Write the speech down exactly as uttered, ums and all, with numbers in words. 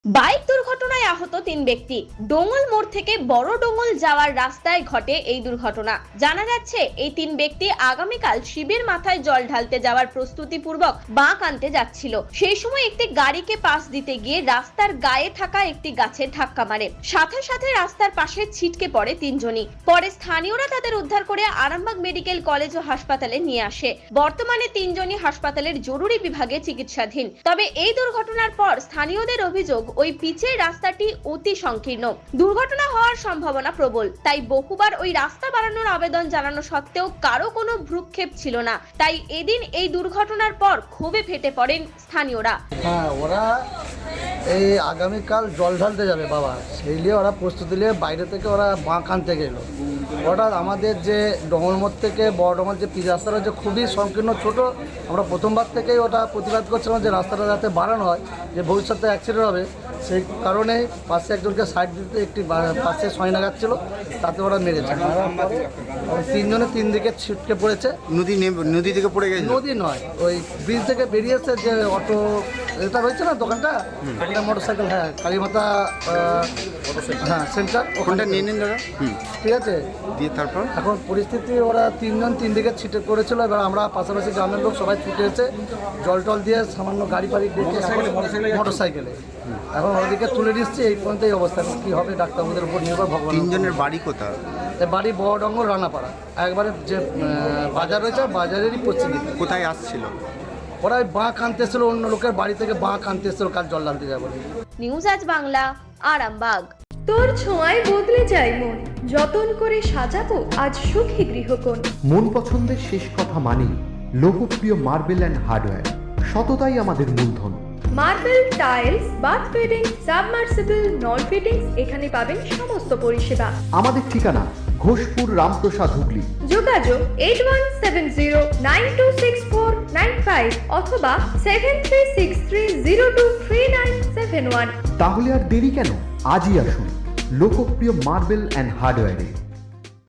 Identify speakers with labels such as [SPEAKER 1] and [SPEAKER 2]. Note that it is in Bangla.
[SPEAKER 1] বাইক দুর্ঘটনায় আহত তিন ব্যক্তি। ডোঙ্গল মোড় থেকে বড় ডোঙ্গল যাওয়ার রাস্তায় ঘটে এই দুর্ঘটনা। জানা যাচ্ছে এই তিন ব্যক্তি আগামীকাল শিবের মাথায় জল ঢালতে যাওয়ার প্রস্তুতি পূর্বক বাঁক আনতে যাচ্ছিল। সেই সময় একটি গাড়িকে পাশ দিতে গিয়ে রাস্তার গায়ে থাকা একটি গাছে ধাক্কা মারে। সাথে সাথে রাস্তার পাশে ছিটকে পড়ে তিনজনই। পরে স্থানীয়রা তাদের উদ্ধার করে আরামবাগ মেডিকেল কলেজ ও হাসপাতালে নিয়ে আসে। বর্তমানে তিনজনই হাসপাতালের জরুরি বিভাগে চিকিৎসাধীন। তবে এই দুর্ঘটনার পর স্থানীয়দের অভিযোগ ওই পিচের রাস্তাটি অতি সংকীর্ণ, দুর্ঘটনা হওয়ার সম্ভাবনা প্রবল। তাই বহুবার ওই রাস্তা বাড়ানোর আবেদন জানানো সত্ত্বেও কারো কোনো ভ্রুক্ষেপ ছিল না। তাই এদিন এই দুর্ঘটনার পর ক্ষোভে ফেটে পড়েন স্থানীয়রা।
[SPEAKER 2] হ্যাঁ, ওরা এই আগামীকাল জল ঢালতে যাবে বাবা, সেই নিয়ে ওরা প্রস্তুতি নিয়ে বাইরে থেকে ওরা বাঁক আনতে গেল। ওটা আমাদের যে ডোঙ্গলমোড় থেকে বড় ডোঙ্গল যে পিচ রাস্তাটা হচ্ছে খুবই সংকীর্ণ ছোট। আমরা প্রথমবার থেকেই ওটা প্রতিবাদ করছিলাম যে রাস্তাটা যাতে বাড়ানো হয়, যে ভবিষ্যতে অ্যাক্সিডেন্ট হবে। সেই কারণে পাশে একজনকে সাইড দিতে একটি পাশে ছয় নাগাচ্ছিল, তাতে ওরা মেরেছে। তিনজনে তিন দিকে ছিটকে পড়েছে।
[SPEAKER 3] নদী নদী থেকে পড়ে গেছে?
[SPEAKER 2] নদী নয়, ওই ব্রিজ থেকে বেরিয়েছে যে অটো এটা রয়েছে না দোকানটা, একটা মোটর সাইকেল, হ্যাঁ কালীমাতা হ্যাঁ সেন্টার,
[SPEAKER 3] ওখানটা নিয়ে নিন দাদা। হুম,
[SPEAKER 2] ঠিক আছে।
[SPEAKER 3] দিয়ে তারপর
[SPEAKER 2] এখন পরিস্থিতি ওরা তিনজন তিন দিকে ছিটে করেছিল। এবার আমরা পাশাপাশি গ্রামের লোক সবাই ছুটে এসে জল টল দিয়ে সামান্য গাড়ি ফাড়ি ডেকে মোটর সাইকেলে এখন ওদিকে তুলে দিচ্ছি। এই পর্যন্ত এই অবস্থা, কী হবে ডাক্তারবাবুদের উপর নির্ভর। ভগবান।
[SPEAKER 3] তিনজনের বাড়ি কোথায়?
[SPEAKER 2] বাড়ি বড় ডঙ্গল রানাপাড়া, একবারে যে বাজার রয়েছে বাজারেরই পশ্চিম দিকে।
[SPEAKER 3] কোথায় আসছিল
[SPEAKER 2] ওরা বাঁক আনতে এসেছিল, অন্য লোকের বাড়ি থেকে বাঁক আনতে এসেছিল কাল জল ঢালতে যাবে।
[SPEAKER 1] নিউজ আজ বাংলা, আরামবাগ।
[SPEAKER 4] তোর ছোঁয়ায় বদলে যায় মন, যতন করে সাজাবো আজ সুখী গৃহকোণ।
[SPEAKER 5] মন পছন্দের শেষ কথা মানি লোকপ্রিয় মার্বেল অ্যান্ড হার্ডওয়্যার, সততাই আমাদের মূলধন।
[SPEAKER 4] Marble, tiles, bath fitting, submersible, নল ফিটিংস, এখানে পাবেন সমস্ত পরিষেবা।
[SPEAKER 5] আমাদের ঠিকানা ঘোষপুর রামপ্রসাদ হুগলি।
[SPEAKER 4] যোগাযোগ eight one seven zero nine two six four nine five অথবা seven three six three zero two three nine seven one.
[SPEAKER 5] তাহলে আর দেরি কেন, আজই আসুন লোকপ্রিয় মার্বেল অ্যান্ড হার্ডওয়্যারে।